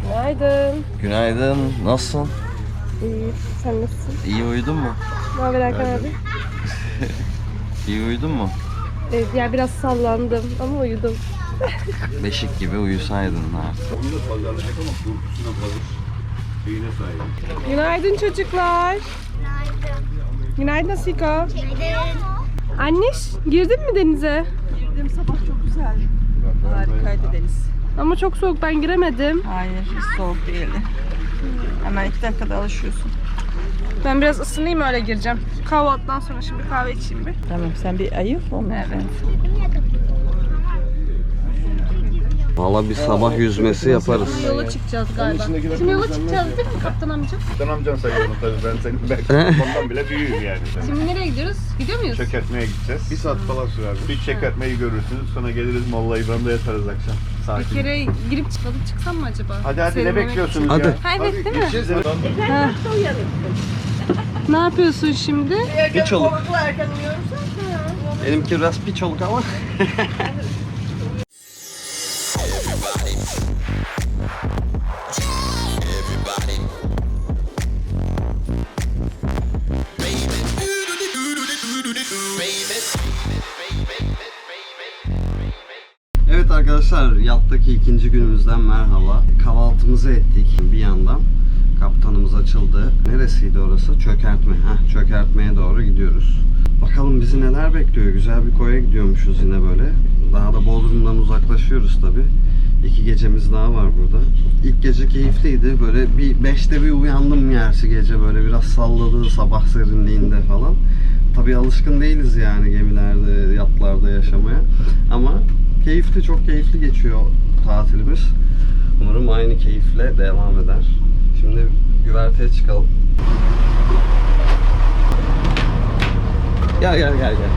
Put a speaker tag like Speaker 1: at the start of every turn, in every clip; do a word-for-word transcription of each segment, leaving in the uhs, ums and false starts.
Speaker 1: Günaydın.
Speaker 2: Günaydın. Nasılsın?
Speaker 1: İyi. Sen nasılsın?
Speaker 2: İyi uyudun mu?
Speaker 1: Ne haber Hakan abi?
Speaker 2: İyi uyudun mu?
Speaker 1: Evet, ya biraz sallandım ama uyudum.
Speaker 2: Beşik gibi uyusaydın artık.
Speaker 1: Günaydın çocuklar.
Speaker 3: Günaydın.
Speaker 1: Günaydın Siko.
Speaker 3: Günaydın.
Speaker 1: Anneş, girdin mi denize?
Speaker 4: Girdim, sabah çok güzel. Harikaydı deniz.
Speaker 1: Ama çok soğuk, ben giremedim.
Speaker 4: Hayır, hiç soğuk değildi. Hemen iki dakikada alışıyorsun.
Speaker 1: Ben biraz ısınayım, öyle gireceğim. Kahvaltıdan sonra şimdi kahve içeyim bir.
Speaker 4: Tamam, sen bir ayıl ondan
Speaker 1: Evet.
Speaker 2: Valla bir sabah yüzmesi yaparız.
Speaker 1: Yola çıkacağız galiba. Şimdi yola çıkacağız değil mi kaptan amca?
Speaker 5: Kaptan amcan sayıyorum tabii, ben senin belki ondan bile büyüğüm yani.
Speaker 1: Şimdi nereye gidiyoruz? Gidiyor muyuz?
Speaker 5: Çökertmeye gideceğiz. Bir saat falan sürer. Bir çökertmeyi görürsünüz, sonra geliriz Molla İbrahim'de yatarız akşam.
Speaker 1: Bir
Speaker 5: Sakin.
Speaker 1: kere girip çıkalım, çıksam mı acaba?
Speaker 5: Hadi hadi, ne
Speaker 1: Serinlemek
Speaker 5: bekliyorsunuz
Speaker 2: Hadi.
Speaker 5: ya?
Speaker 1: Ha, evet, değil mi?
Speaker 5: Gideceğiz.
Speaker 1: Ha. Ne yapıyorsun şimdi?
Speaker 2: Piç oluk. Benimki biraz piç oluk ama. Evet arkadaşlar, yattaki ikinci günümüzden merhaba. Kahvaltımızı ettik bir yandan. Kaptanımız açıldı. Neresiydi orası? Çökertme. Heh, çökertmeye doğru gidiyoruz. Bakalım bizi neler bekliyor. Güzel bir koya gidiyormuşuz yine böyle. Daha da Bodrum'dan uzaklaşıyoruz tabi. İki gecemiz daha var burada. İlk gece keyifliydi. Böyle bir beşte bir uyandım gerçi gece, böyle biraz salladı sabah serinliğinde falan. Tabi alışkın değiliz yani gemilerde, yatlarda yaşamaya. Ama keyifli, çok keyifli geçiyor tatilimiz. Umarım aynı keyifle devam eder. Şimdi güverteye çıkalım. Gel gel gel gel.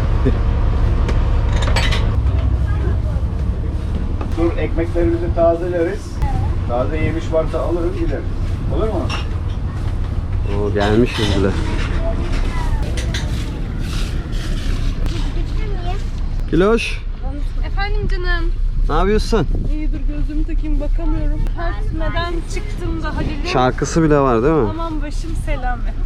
Speaker 5: Dur, ekmeklerimizi tazeleriz. Taze yemiş varsa alırız gideriz. Olur mu?
Speaker 2: Oo, gelmişiz bile. Kiloş,
Speaker 1: Efendim canım.
Speaker 2: ne yapıyorsun?
Speaker 1: İyi, dur gözümü takayım, bakamıyorum. Örtmeden çıktım da Halil'im.
Speaker 2: Şarkısı bile var değil mi?
Speaker 1: Aman başım selamet.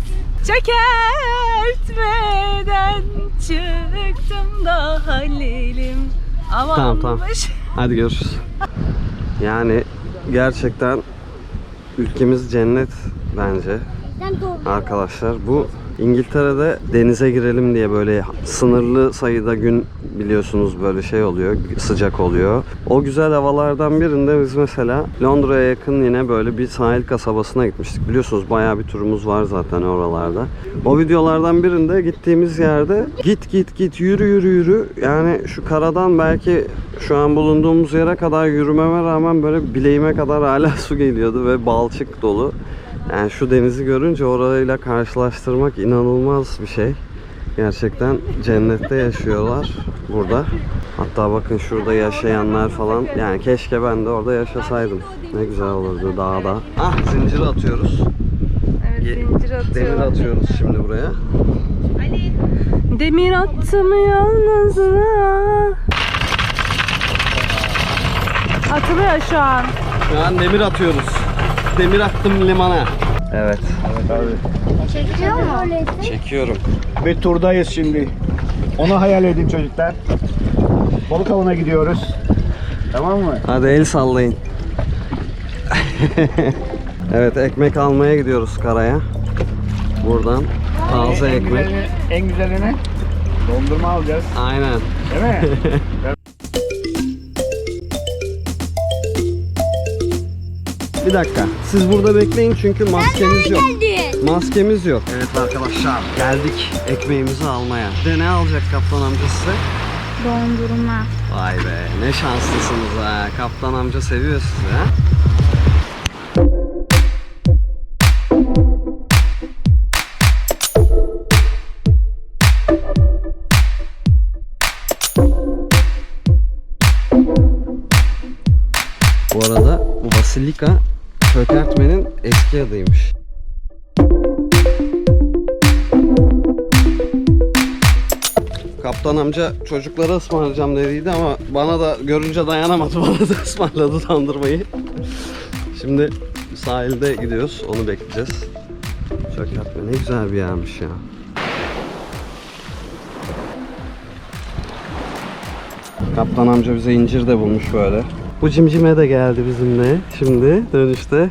Speaker 1: Çökertmeden çıktım da Halil'im. Aman
Speaker 2: Tamam, tamam.
Speaker 1: baş...
Speaker 2: Hadi görüşürüz. Yani gerçekten ülkemiz cennet bence. Arkadaşlar, bu İngiltere'de denize girelim diye böyle sınırlı sayıda gün biliyorsunuz böyle şey oluyor, sıcak oluyor. O güzel havalardan birinde biz mesela Londra'ya yakın yine böyle bir sahil kasabasına gitmiştik. Biliyorsunuz bayağı bir turumuz var zaten oralarda. O videolardan birinde gittiğimiz yerde git git git yürü yürü yürü. Yani şu karadan belki şu an bulunduğumuz yere kadar yürümeme rağmen böyle bileğime kadar hala su geliyordu ve balçık dolu. Yani şu denizi görünce orayla karşılaştırmak inanılmaz bir şey. Gerçekten cennette yaşıyorlar burada. Hatta bakın şurada yaşayanlar falan. Yani keşke ben de orada yaşasaydım. Ne güzel olurdu dağda. Ah, zincir atıyoruz.
Speaker 1: Evet, zincir atıyor.
Speaker 2: Demir atıyoruz şimdi buraya.
Speaker 1: Demir attım yalnızına. Atılıyor şu an.
Speaker 2: Şu an demir atıyoruz. Demir attım limana. Evet.
Speaker 5: Evet abi.
Speaker 3: Çekiyor mu?
Speaker 2: Çekiyorum.
Speaker 5: Bir turdayız şimdi. Onu hayal edin çocuklar. Balık avına gidiyoruz. Tamam mı?
Speaker 2: Hadi el sallayın. Evet, ekmek almaya gidiyoruz karaya. Buradan taze
Speaker 5: en
Speaker 2: ekmek.
Speaker 5: Güzelini, en güzelini dondurma alacağız.
Speaker 2: Aynen.
Speaker 5: Değil mi?
Speaker 2: Bir dakika. Siz burada bekleyin çünkü maskemiz yok.
Speaker 3: Geldi.
Speaker 2: Maskemiz yok. Evet arkadaşlar, geldik ekmeğimizi almaya. De ne alacak kaptan amca size?
Speaker 3: Dondurma.
Speaker 2: Vay be, ne şanslısınız ha. Kaptan amca seviyor sizi ha. Bu arada bu Basilika çökertmenin eski adıymış. Kaptan amca çocuklara ısmarlayacağım dediydi ama bana da görünce dayanamadı, bana da ısmarladı dondurmayı. Şimdi sahilde gidiyoruz. Onu bekleyeceğiz. Çökertme ne güzel bir yermiş ya. Kaptan amca bize incir de bulmuş böyle. Bu cimcime de geldi bizimle. Şimdi dönüşte.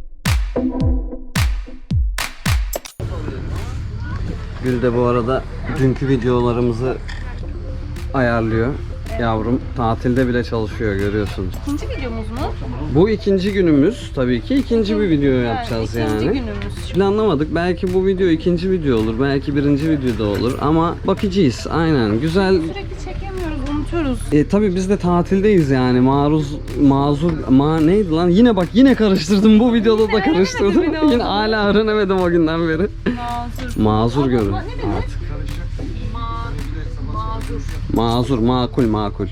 Speaker 2: Gül de bu arada dünkü videolarımızı ayarlıyor. Yavrum tatilde bile çalışıyor, görüyorsunuz.
Speaker 1: İkinci videomuz mu?
Speaker 2: Bu ikinci günümüz tabii ki. ikinci bir video yapacağız
Speaker 1: yani.
Speaker 2: yani.
Speaker 1: İkinci günümüz.
Speaker 2: Planlamadık. Belki bu video ikinci video olur. Belki birinci videoda olur. Ama bakacağız. Aynen. Güzel.
Speaker 1: Sürekli çekemiyoruz, unutuyoruz.
Speaker 2: E tabii biz de tatildeyiz yani. Maruz, mazur, ma neydi lan? Yine bak yine karıştırdım. Bu videoda da karıştırdım.
Speaker 1: öğrenemedim ne
Speaker 2: Yine
Speaker 1: olduğunu.
Speaker 2: hala öğrenemedim o günden beri.
Speaker 1: Mazur.
Speaker 2: Mazur görün.
Speaker 1: Ne denir?
Speaker 2: Artık.
Speaker 1: Ma mazur.
Speaker 2: Mazur, makul, makul.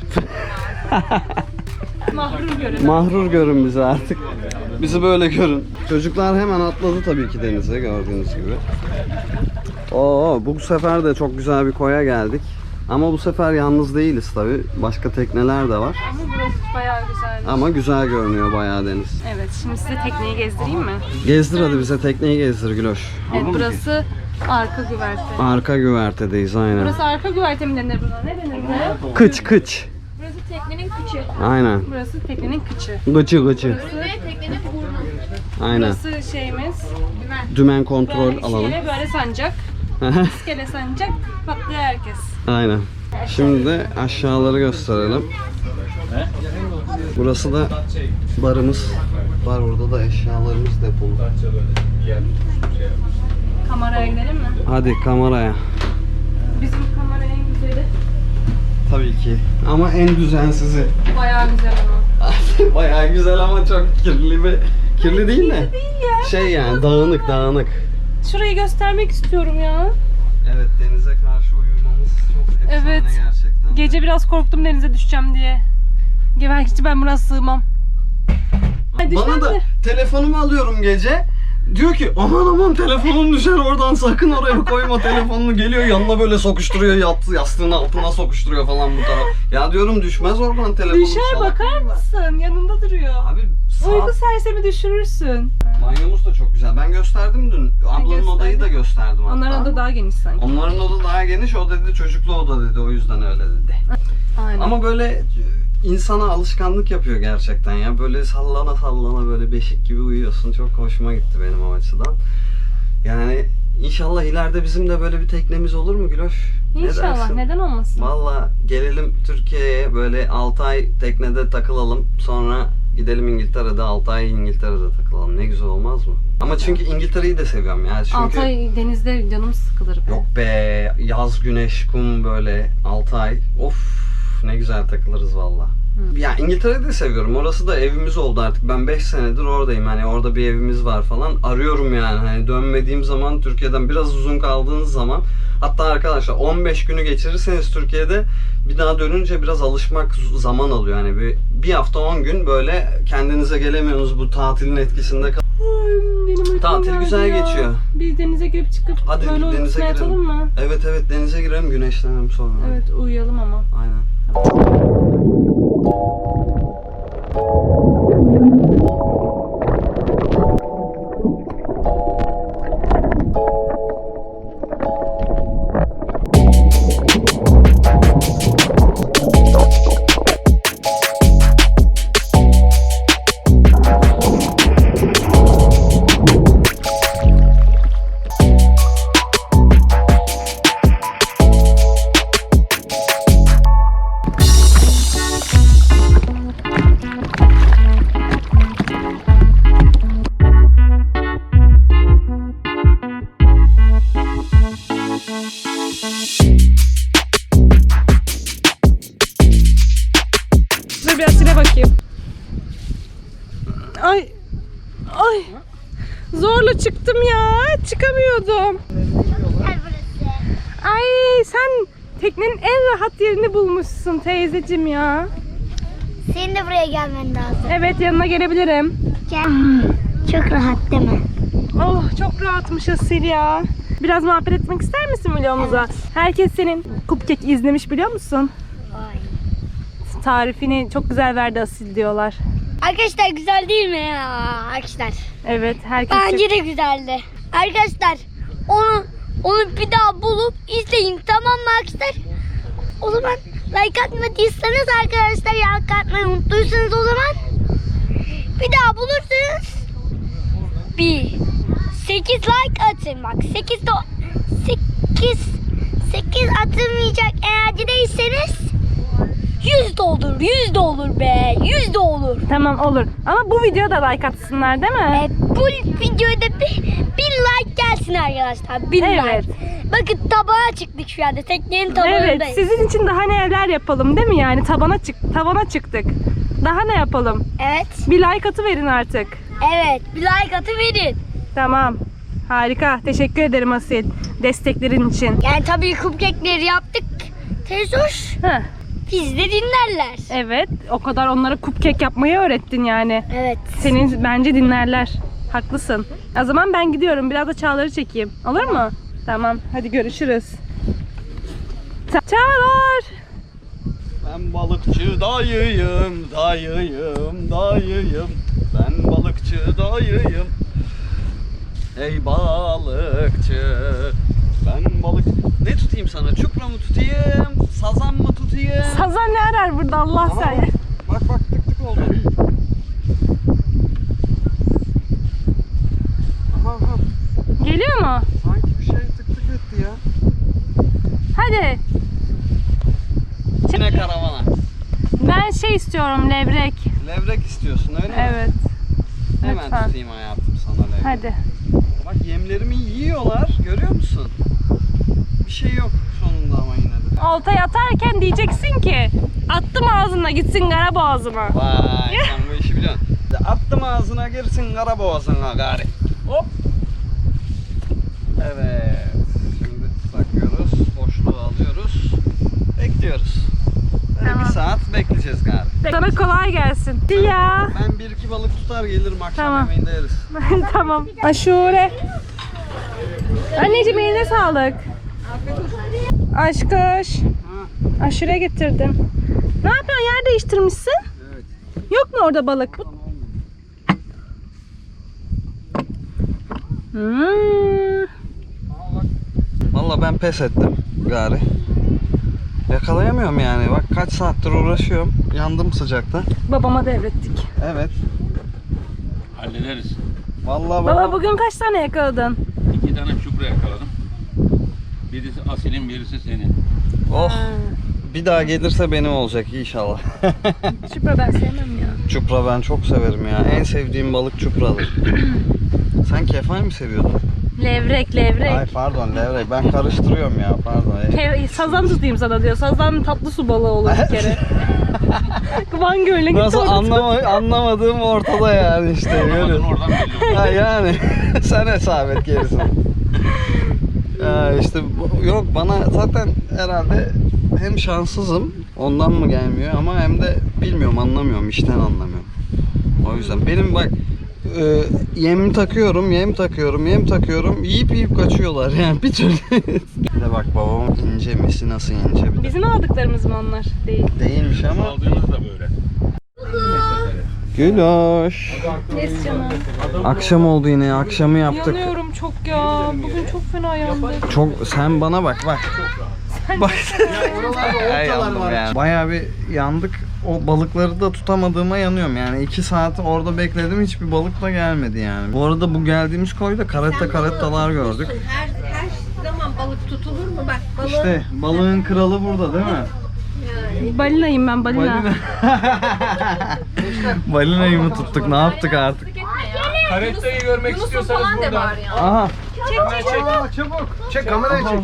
Speaker 1: Mahrum görün.
Speaker 2: Mahrur görün bizi artık. Bizi böyle görün. Çocuklar hemen atladı tabii ki denize, gördüğünüz gibi. Oo, bu sefer de çok güzel bir koya geldik. Ama bu sefer yalnız değiliz tabii. Başka tekneler de var.
Speaker 1: Ama burası bayağı güzel.
Speaker 2: Ama güzel görünüyor bayağı deniz.
Speaker 1: Evet, şimdi size tekneyi gezdireyim mi?
Speaker 2: Gezdir hadi, bize tekneyi gezdir Güloş.
Speaker 1: Evet, burası arka güverte.
Speaker 2: Arka güvertedeyiz aynen.
Speaker 1: Burası arka güverte mi denir buna? Ne denir buna?
Speaker 2: Kıç kıç.
Speaker 1: Burası teknenin kıçı.
Speaker 2: Aynen.
Speaker 1: Burası teknenin kıçı.
Speaker 2: Gıcı gıcı.
Speaker 3: Teknenin burnu.
Speaker 2: Aynen.
Speaker 1: Burası şeyimiz.
Speaker 2: Dümen kontrol
Speaker 1: Böyle
Speaker 2: alalım.
Speaker 1: iskele böyle sancak. İskele sancak patlıyor herkes.
Speaker 2: Aynen. Şimdi de aşağıları gösterelim. Burası da barımız. Var, burada da eşyalarımız depolu.
Speaker 1: Kameraya gidelim mi?
Speaker 2: Hadi kameraya.
Speaker 1: Bizim kamera en güzeli.
Speaker 2: Tabii ki. Ama en düzensizi.
Speaker 1: Bayağı güzel ama.
Speaker 2: Bayağı güzel ama çok kirli bir... Kirli değil de.
Speaker 1: Değil ya.
Speaker 2: Şey yani dağınık dağınık.
Speaker 1: Şurayı göstermek istiyorum ya.
Speaker 2: Evet, denize karşı uyumamız çok efsane
Speaker 1: Evet.
Speaker 2: gerçekten.
Speaker 1: Gece biraz korktum denize düşeceğim diye. Belki ben buna sığmam. Ay,
Speaker 2: Bana
Speaker 1: düşer
Speaker 2: da
Speaker 1: mi?
Speaker 2: telefonumu alıyorum gece. Diyor ki aman aman telefonun düşer oradan, sakın oraya koyma telefonunu. Geliyor yanına böyle sokuşturuyor, yat, yastığın altına sokuşturuyor falan bu tarafa. Ya diyorum düşmez oradan telefonu.
Speaker 1: Düşer,
Speaker 2: salak.
Speaker 1: bakar mısın? Yanında duruyor.
Speaker 2: Abi
Speaker 1: Uyku
Speaker 2: saat,
Speaker 1: sersemi düşürürsün.
Speaker 2: banyomuz da çok güzel. Ben gösterdim dün. Ablanın
Speaker 1: gösterdin.
Speaker 2: odayı da gösterdim hatta.
Speaker 1: Onların oda daha geniş sanki.
Speaker 2: Onların oda daha geniş. O dedi çocuklu oda dedi. O yüzden öyle dedi.
Speaker 1: Aynen.
Speaker 2: Ama böyle insana alışkanlık yapıyor gerçekten ya. Böyle sallana sallana böyle beşik gibi uyuyorsun. Çok hoşuma gitti benim o açıdan. Yani inşallah ileride bizim de böyle bir teknemiz olur mu Güloş? Ne
Speaker 1: İnşallah.
Speaker 2: dersin?
Speaker 1: Neden olmasın?
Speaker 2: Valla gelelim Türkiye'ye, böyle altı ay teknede takılalım. Sonra gidelim İngiltere'de, altı ay İngiltere'de takılalım. Ne güzel olmaz mı? Ama çünkü İngiltere'yi de seviyorum ya. Çünkü...
Speaker 1: altı ay denizde canım sıkılır be.
Speaker 2: Yok be, yaz, güneş, kum böyle altı ay. Of, ne güzel takılırız valla. Ya İngiltere'yi de seviyorum. Orası da evimiz oldu artık. Ben beş senedir oradayım. Hani orada bir evimiz var falan. Arıyorum yani. Hani dönmediğim zaman, Türkiye'den biraz uzun kaldığınız zaman, hatta arkadaşlar on beş günü geçirirseniz Türkiye'de, bir daha dönünce biraz alışmak zaman alıyor. Yani bir, bir hafta on gün böyle kendinize gelemiyorsunuz, bu tatilin etkisinde kal-
Speaker 1: Ay, benim uykum
Speaker 2: Tatil
Speaker 1: geldi
Speaker 2: güzel
Speaker 1: ya.
Speaker 2: geçiyor.
Speaker 1: Biz denize girip çıkıp
Speaker 2: Hadi
Speaker 1: böyle
Speaker 2: denize
Speaker 1: uykusuna
Speaker 2: girelim.
Speaker 1: yatalım mı?
Speaker 2: Evet evet, denize girelim, güneşlenelim sonra.
Speaker 1: Evet, uyuyalım ama.
Speaker 2: Aynen.
Speaker 1: Dur biraz sile bakayım. Ay. Ay. Zorla çıktım ya. Çıkamıyordum.
Speaker 3: Güzel burası.
Speaker 1: Ay, sen teknenin en rahat yerini bulmuşsun teyzecim ya.
Speaker 3: Senin de buraya gelmen lazım.
Speaker 1: Evet, yanına gelebilirim.
Speaker 3: Gel. Çok rahat değil mi?
Speaker 1: Oh, çok rahatmış Asil ya. Biraz muhabbet etmek ister misin videomuza? Herkes senin cupcake izlemiş, biliyor musun?
Speaker 3: Ay.
Speaker 1: Tarifini çok güzel verdi Asil diyorlar.
Speaker 3: Arkadaşlar güzel değil mi ya arkadaşlar?
Speaker 1: Evet, herkes
Speaker 3: Bence de güzeldi. Arkadaşlar onu onu bir daha bulup izleyin, tamam mı arkadaşlar? O zaman like atmadıysanız arkadaşlar, like atmayı unuttuysanız o zaman bir daha bulursunuz. Bir sekiz like atın bak. sekiz de sekiz sekiz atılmayacak eğer değilseniz yüz de olur. yüz de olur be. yüz de olur.
Speaker 1: Tamam, olur. Ama bu videoya da like atsınlar değil mi?
Speaker 3: E, bu videoda bir, bir like gelsin arkadaşlar. Bir
Speaker 1: Evet.
Speaker 3: like. Bakın tabağa çıktık şu anda. Teknenin tabanındayız.
Speaker 1: Evet, sizin için daha neler yapalım değil mi yani? Tabana çık, tavana çıktık. Daha ne yapalım?
Speaker 3: Evet.
Speaker 1: Bir like atıverin artık.
Speaker 3: Evet. Bir like atıverin.
Speaker 1: Tamam. Harika. Teşekkür ederim Asil. Desteklerin için.
Speaker 3: Yani tabii cupcake'leri yaptık. Tezoş.
Speaker 1: Heh,
Speaker 3: Biz de dinlerler.
Speaker 1: evet. O kadar onlara cupcake yapmayı öğrettin yani.
Speaker 3: Evet.
Speaker 1: Senin bence dinlerler. Haklısın. O zaman ben gidiyorum. Biraz da Çağlar'ı çekeyim. Olur mu? Tamam. Hadi görüşürüz. Ça- Çağlar!
Speaker 2: Ben balıkçı dayıyım, dayıyım, dayıyım. Ben balıkçı dayıyım. Ey balıkçı. Ben balık... Ne tutayım sana? Çupra mı tutayım? Sazan mı tutayım?
Speaker 1: Sazan ne arar burada Allah
Speaker 2: Aha,
Speaker 1: sen?
Speaker 2: Bak bak tık tık oldu. Aha, aha.
Speaker 1: Geliyor mu?
Speaker 2: Sanki bir şey tık tık etti ya.
Speaker 1: Hadi.
Speaker 2: Yine karavana.
Speaker 1: Ben şey istiyorum, levrek.
Speaker 2: Levrek istiyorsun öyle mi?
Speaker 1: Evet.
Speaker 2: Hemen
Speaker 1: lütfen.
Speaker 2: tutayım hayatım sana levrek.
Speaker 1: Hadi.
Speaker 2: Bak yemlerimi yiyorlar. Görüyor musun? Bir şey yok sonunda ama yine de.
Speaker 1: Oltayı atarken diyeceksin ki attım ağzına gitsin kara boğazıma.
Speaker 2: Vay sen bu işi biliyorsun. Attım ağzına girsin kara boğazına gari. Hop. Evet. Şimdi takıyoruz. Boşluğu alıyoruz. Bekliyoruz. Böyle
Speaker 1: Tamam.
Speaker 2: bir saat bekleyeceğiz gari.
Speaker 1: Sana kolay gelsin. Ya.
Speaker 2: Ben bir iki balık tutar gelirim akşam
Speaker 1: Tamam.
Speaker 2: yemeğinde yeriz.
Speaker 1: Tamam. Aşure. Anneciğim eline sağlık. Aşkış.
Speaker 2: Ha.
Speaker 1: Aşure getirdim. Ne yapıyorsun? Yer değiştirmişsin.
Speaker 2: Evet.
Speaker 1: Yok mu orada balık? Hmm.
Speaker 2: Valla ben pes ettim gari. Yakalayamıyorum yani. Bak kaç saattir uğraşıyorum. Yandım sıcakta.
Speaker 1: Babama devrettik.
Speaker 2: Evet.
Speaker 6: Hallederiz.
Speaker 2: Vallahi
Speaker 1: Baba
Speaker 2: baba.
Speaker 1: bugün kaç tane yakaladın?
Speaker 6: İki tane çupra yakaladım. Birisi Asil'in, birisi senin.
Speaker 2: Oh. Bir daha gelirse benim olacak inşallah.
Speaker 1: Şüphe ben sevmem ya.
Speaker 2: Çupra ben çok severim ya. En sevdiğim balık çupradır. Sen kefal mi seviyordun?
Speaker 1: Levrek, levrek.
Speaker 2: Ay pardon levrek. Ben karıştırıyorum ya pardon.
Speaker 1: Ke- sazan tutayım sana diyor. Sazan tatlı su balığı olur bir kere. Van Gölü'ne gitti
Speaker 2: Nasıl
Speaker 1: orada.
Speaker 2: anlama, anlamadığım ortada yani işte.
Speaker 6: Anlamadın
Speaker 2: Görüyorsun.
Speaker 6: oradan belli oldu.
Speaker 2: Ha yani sen hesap et gerisini. Ya işte bu- yok bana zaten herhalde hem şanssızım ondan mı gelmiyor ama hem de bilmiyorum anlamıyorum işten anlamıyorum. O yüzden benim bak e, yem takıyorum yem takıyorum yem takıyorum yiyip yiyip kaçıyorlar yani bir türlü. Bir de bak babamın ince misi nasıl ince bir de.
Speaker 1: Bizim aldıklarımız mı onlar? Değil.
Speaker 2: Değilmiş ama.
Speaker 6: Aldığınız da böyle.
Speaker 2: Güloş.
Speaker 1: Yes canım.
Speaker 2: Akşam oldu yine akşamı yaptık.
Speaker 1: Yanıyorum çok ya. Bugün çok fena yandım.
Speaker 2: Çok sen bana bak bak. Bak. Ay, yandım yani. Bayağı bir yandık. O balıkları da tutamadığıma yanıyorum yani. iki saat orada bekledim hiçbir balık da gelmedi yani. Bu arada bu geldiğimiz koyda karetta karettalar gördük.
Speaker 7: Her, her zaman balık tutulur mu? Bak balık
Speaker 2: İşte balığın kralı burada değil mi?
Speaker 1: Balinayım ben balina.
Speaker 2: Balina. Balinayı mı tuttuk ne yaptık artık?
Speaker 6: Karettayı görmek istiyorsanız burada.
Speaker 2: Aha.
Speaker 5: Aa, çabuk. Çek kamerayı çek.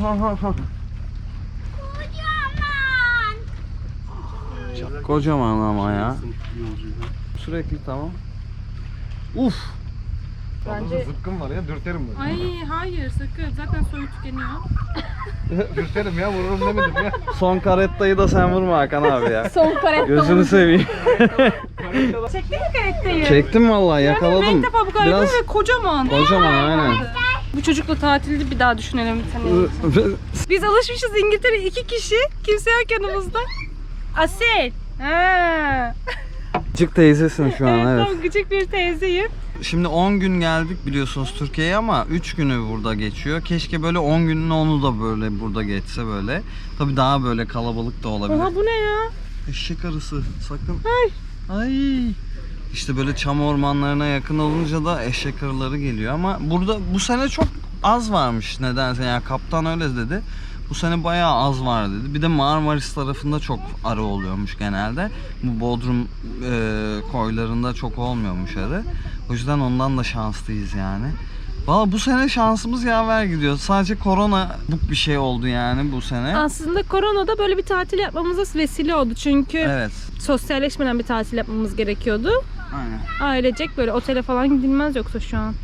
Speaker 2: Kocaman ama ya. Sürekli tamam. Uf.
Speaker 1: Bence...
Speaker 5: Zıpkın var ya dürterim bunu.
Speaker 1: Ay hayır sakın. Zaten soyu tükeniyor.
Speaker 5: Dürterim ya vururum demedim ya.
Speaker 2: Son karettayı da sen vurma Hakan abi ya.
Speaker 1: Son karetta.
Speaker 2: Gözünü seveyim.
Speaker 1: Çektin mi karettayı?
Speaker 2: Çektim vallahi
Speaker 1: Ben
Speaker 2: yakaladım.
Speaker 1: ilk defa bu karetta
Speaker 2: Biraz
Speaker 1: ve kocaman.
Speaker 2: kocaman aynen.
Speaker 1: Bu çocukla tatilde bir daha düşünelim bir tane. Biz alışmışız İngiltere iki kişi. Kimse yok yanımızda. Asil. Ha.
Speaker 2: Küçük teyzesin şu an, evet.
Speaker 1: Tam küçük bir teyzeyim.
Speaker 2: Şimdi on gün geldik biliyorsunuz Türkiye'ye ama üç günü burada geçiyor. Keşke böyle on günün onu da böyle burada geçse böyle. Tabii daha böyle kalabalık da olabilir.
Speaker 1: Oha, bu ne ya?
Speaker 2: Eşek arısı sakın.
Speaker 1: Ay.
Speaker 2: Ay. İşte böyle çam ormanlarına yakın olunca da eşek arıları geliyor ama burada bu sene çok az varmış nedense, yani kaptan öyle dedi. Bu sene bayağı az var dedi. Bir de Marmaris tarafında çok arı oluyormuş genelde. Bu Bodrum e, koylarında çok olmuyormuş arı. O yüzden ondan da şanslıyız yani. Valla bu sene şansımız yaver gidiyor. Sadece korona bu bir şey oldu yani bu sene.
Speaker 1: Aslında koronada böyle bir tatil yapmamıza vesile oldu. Çünkü
Speaker 2: Evet.
Speaker 1: sosyalleşmeden bir tatil yapmamız gerekiyordu.
Speaker 2: Aynen.
Speaker 1: Ailecek böyle otele falan gidilmez yoksa şu an.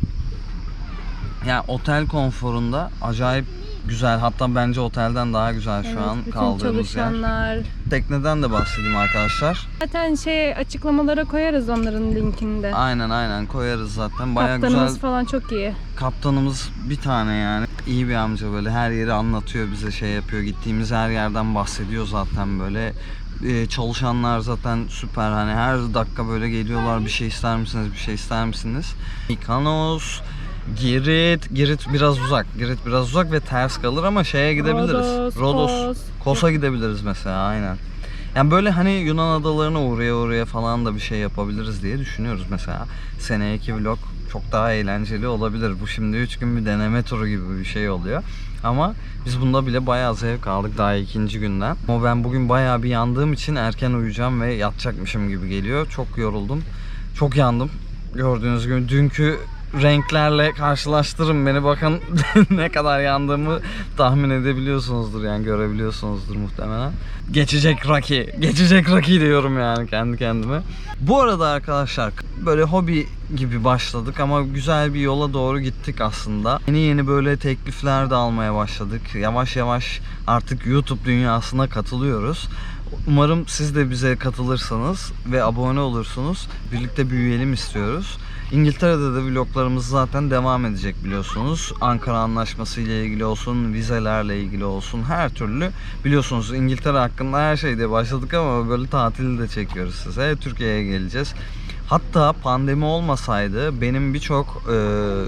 Speaker 2: Yani otel konforunda acayip güzel. Hatta bence otelden daha güzel şu
Speaker 1: Evet,
Speaker 2: an
Speaker 1: bütün
Speaker 2: kaldığımız yer.
Speaker 1: çalışanlar.
Speaker 2: Tekneden de bahsedeyim arkadaşlar.
Speaker 1: Zaten şey açıklamalara koyarız onların linkini de.
Speaker 2: Aynen aynen koyarız zaten. Bayağı
Speaker 1: Kaptanımız
Speaker 2: güzel.
Speaker 1: falan çok iyi.
Speaker 2: Kaptanımız bir tane yani. İyi bir amca, böyle her yeri anlatıyor bize, şey yapıyor. Gittiğimiz her yerden bahsediyor zaten böyle. Ee, çalışanlar zaten süper, hani her dakika böyle geliyorlar, bir şey ister misiniz, bir şey ister misiniz? Mikanos, Girit, Girit biraz uzak. Girit biraz uzak ve ters kalır ama şeye gidebiliriz.
Speaker 1: Rodos,
Speaker 2: Rodos,
Speaker 1: Kos.
Speaker 2: Kos'a gidebiliriz mesela, aynen. Yani böyle hani Yunan adalarına uğraya uğraya falan da bir şey yapabiliriz diye düşünüyoruz mesela. Seneki vlog çok daha eğlenceli olabilir. Bu şimdi üç gün bir deneme turu gibi bir şey oluyor. Ama biz bunda bile bayağı zevk aldık daha ikinci günden. Ama ben bugün bayağı bir yandığım için erken uyuyacağım ve yatacakmışım gibi geliyor. Çok yoruldum. Çok yandım. Gördüğünüz gibi dünkü renklerle karşılaştırın beni, bakın ne kadar yandığımı tahmin edebiliyorsunuzdur, yani görebiliyorsunuzdur muhtemelen. Geçecek Rocky, geçecek Rocky diyorum yani kendi kendime. Bu arada arkadaşlar böyle hobi gibi başladık ama güzel bir yola doğru gittik aslında. Yeni yeni böyle teklifler de almaya başladık. Yavaş yavaş artık YouTube dünyasına katılıyoruz. Umarım siz de bize katılırsanız ve abone olursunuz. Birlikte büyüyelim istiyoruz. İngiltere'de de vloglarımız zaten devam edecek biliyorsunuz. Ankara Anlaşması ile ilgili olsun, vizelerle ilgili olsun, her türlü biliyorsunuz İngiltere hakkında her şeyde başladık ama böyle tatili de çekiyoruz size. Türkiye'ye geleceğiz. Hatta pandemi olmasaydı benim birçok e,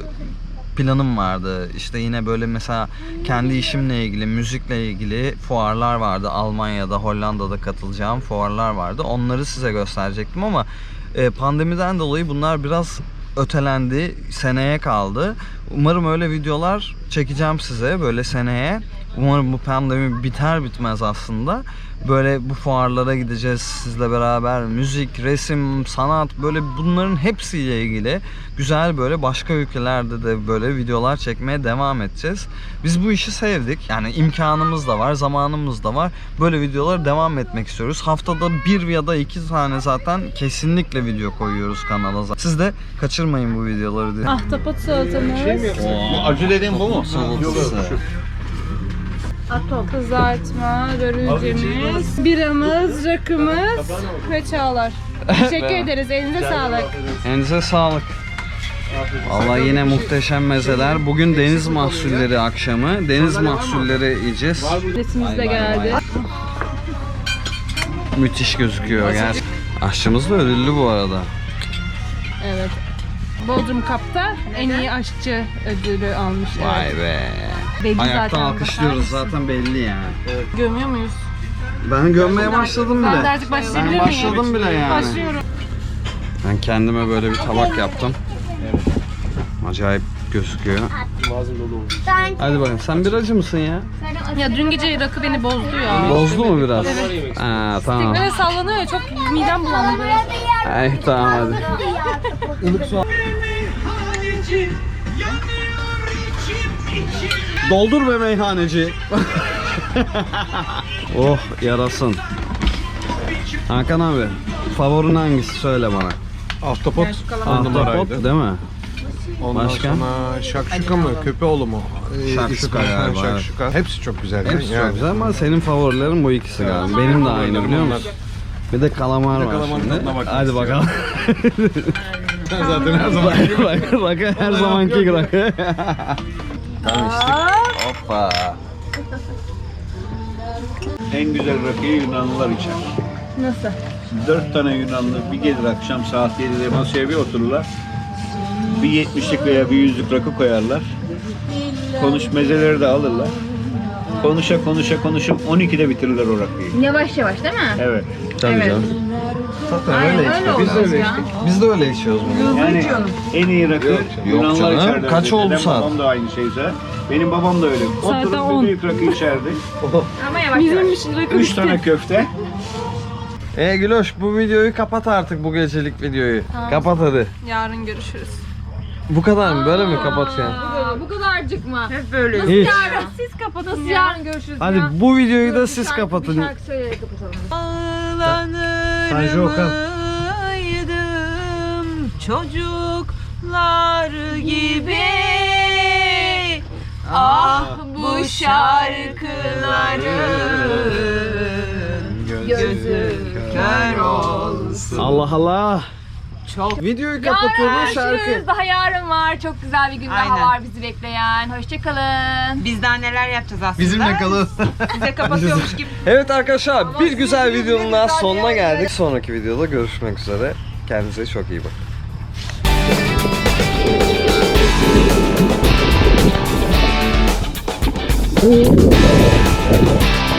Speaker 2: planım vardı. İşte yine böyle mesela kendi işimle ilgili, müzikle ilgili fuarlar vardı. Almanya'da, Hollanda'da katılacağım fuarlar vardı. Onları size gösterecektim ama pandemiden dolayı bunlar biraz ötelendi, seneye kaldı. Umarım öyle videolar çekeceğim size böyle seneye. Umarım bu pandemi biter bitmez aslında böyle bu fuarlara gideceğiz sizle beraber. Müzik, resim, sanat, böyle bunların hepsiyle ilgili güzel böyle başka ülkelerde de böyle videolar çekmeye devam edeceğiz. Biz bu işi sevdik. Yani imkanımız da var, zamanımız da var. Böyle videolara devam etmek istiyoruz. Haftada bir ya da iki tane zaten kesinlikle video koyuyoruz kanala. Siz de kaçırmayın bu videoları diye.
Speaker 1: Ahtapot salatamız.
Speaker 6: Bu acı dediğin bu mu?
Speaker 1: Kızartma, börülcemiz, biramız, rakımız ve çağlar. Teşekkür ederiz. Elinize sağlık.
Speaker 2: Elinize sağlık. Vallahi yine muhteşem mezeler. Bugün deniz mahsulleri akşamı. Deniz mahsulleri yiyeceğiz.
Speaker 1: Resimiz de geldi.
Speaker 2: Müthiş gözüküyor gerçekten. Aşçımız da ödüllü bu arada.
Speaker 1: Evet. Bodrum Cup'ta en iyi aşçı ödülü almış.
Speaker 2: Vay
Speaker 1: Evet.
Speaker 2: be.
Speaker 1: Belli
Speaker 2: Ayaktan
Speaker 1: zaten.
Speaker 2: alkışlıyoruz zaten belli yani.
Speaker 1: Gömüyor muyuz?
Speaker 2: Ben gömmeye başladım
Speaker 1: Ben de
Speaker 2: bile.
Speaker 1: artık başlayabilir
Speaker 2: Ben
Speaker 1: miyim?
Speaker 2: başladım bile yani.
Speaker 1: Başlıyorum.
Speaker 2: Ben kendime böyle bir tabak yaptım. Acayip gözüküyor.
Speaker 3: Ben
Speaker 2: Hadi bakalım. Sen biracı mısın ya?
Speaker 1: Ya dün gece rakı beni bozdu ya.
Speaker 2: Bozdu mu biraz? Evet. Ha, tamam.
Speaker 1: Teknede sallanıyor ya, çok midem bulandı.
Speaker 2: Ay tamam hadi. Doldur be meyhaneci. Oh yarasın. Hakan abi, favorin hangisi söyle bana.
Speaker 8: Ahtapot
Speaker 2: Ahtapot değil mi?
Speaker 8: Ondan
Speaker 2: Başka?
Speaker 8: sonra şakşuka mı, köpeoğlu mu? Ee,
Speaker 2: Şakşuka
Speaker 8: ismi-
Speaker 2: galiba,
Speaker 8: Ha,
Speaker 2: evet.
Speaker 8: şakşuka. Hepsi çok güzel.
Speaker 2: Hepsi
Speaker 8: yani.
Speaker 2: çok güzel ama senin favorilerin bu ikisi galiba. Benim de aynı biliyor musun? Bir de kalamar
Speaker 8: Bir de
Speaker 2: var
Speaker 8: kalamarın
Speaker 2: şimdi.
Speaker 8: tadına bakmak
Speaker 2: Hadi bakalım.
Speaker 8: Zaten her zaman
Speaker 2: Rakı, rakı her zamanki rakı. Tamam içtik. Hoppa.
Speaker 5: En güzel rakıyı Yunanlılar içer.
Speaker 1: Nasıl?
Speaker 5: Dört tane Yunanlı bir gelir akşam saat yedide masaya bir otururlar. Bir yetmişlik veya bir yüzlük rakı koyarlar. Konuş mezeleri de alırlar. Konuşa konuşa konuşup on ikide bitirirler o rakıyı.
Speaker 9: Yavaş yavaş değil mi?
Speaker 5: Evet.
Speaker 2: Tabii canım. Zaten
Speaker 9: Aynen,
Speaker 2: öyle
Speaker 9: öyle
Speaker 2: içiyoruz. Biz de
Speaker 9: olmaz
Speaker 2: öyle
Speaker 9: ya.
Speaker 2: içtik. Biz de öyle içiyoruz bunu.
Speaker 5: Yani en iyi rakı
Speaker 2: Yok,
Speaker 5: Yunanlılar
Speaker 2: canım.
Speaker 5: içerler.
Speaker 2: Kaç
Speaker 5: dedi.
Speaker 2: oldu
Speaker 5: Dedem,
Speaker 2: saat?
Speaker 5: Babam da aynı şeyse. Benim babam da öyle.
Speaker 1: Saat
Speaker 5: Oturup
Speaker 1: on.
Speaker 5: bir büyük rakı içerdi.
Speaker 9: Ama yavaş yavaş.
Speaker 1: Bizim rakı
Speaker 5: Üç
Speaker 1: bitti.
Speaker 5: tane köfte.
Speaker 2: E Güloş bu videoyu kapat artık, bu gecelik videoyu. Kapat hadi.
Speaker 1: Yarın görüşürüz.
Speaker 2: Bu kadar mı? Böyle mi kapatacaksın?
Speaker 9: Aa, bu kadarcık mı?
Speaker 4: Hep böyle.
Speaker 2: Hiç.
Speaker 9: Yarın siz kapatın. Nasıl yarın görüşürüz
Speaker 2: Hadi
Speaker 9: ya?
Speaker 2: bu videoyu da
Speaker 9: Bir
Speaker 2: siz
Speaker 9: şarkı-
Speaker 2: kapatın.
Speaker 9: Bir şarkı söyleyerek kapatalım.
Speaker 5: Tanju Okan.
Speaker 4: Ağlarım çocuklar gibi. Ah bu şarkıların gözü kör olsun.
Speaker 2: Allah Allah.
Speaker 4: Çok.
Speaker 2: Videoyu
Speaker 9: Yarın
Speaker 2: kapatıyoruz şarkı.
Speaker 9: görüşürüz. Daha yarın var. Çok güzel bir gün
Speaker 4: Aynen.
Speaker 9: daha var bizi bekleyen. Hoşçakalın.
Speaker 4: Biz daha neler yapacağız aslında.
Speaker 8: Bizimle kalın.
Speaker 4: Bize kapatıyormuş gibi.
Speaker 2: Evet arkadaşlar, bir güzel
Speaker 9: sizin
Speaker 2: videonun daha
Speaker 9: güzel
Speaker 2: sonuna
Speaker 9: bir
Speaker 2: geldik. Sonraki videoda görüşmek üzere. Kendinize çok iyi bakın.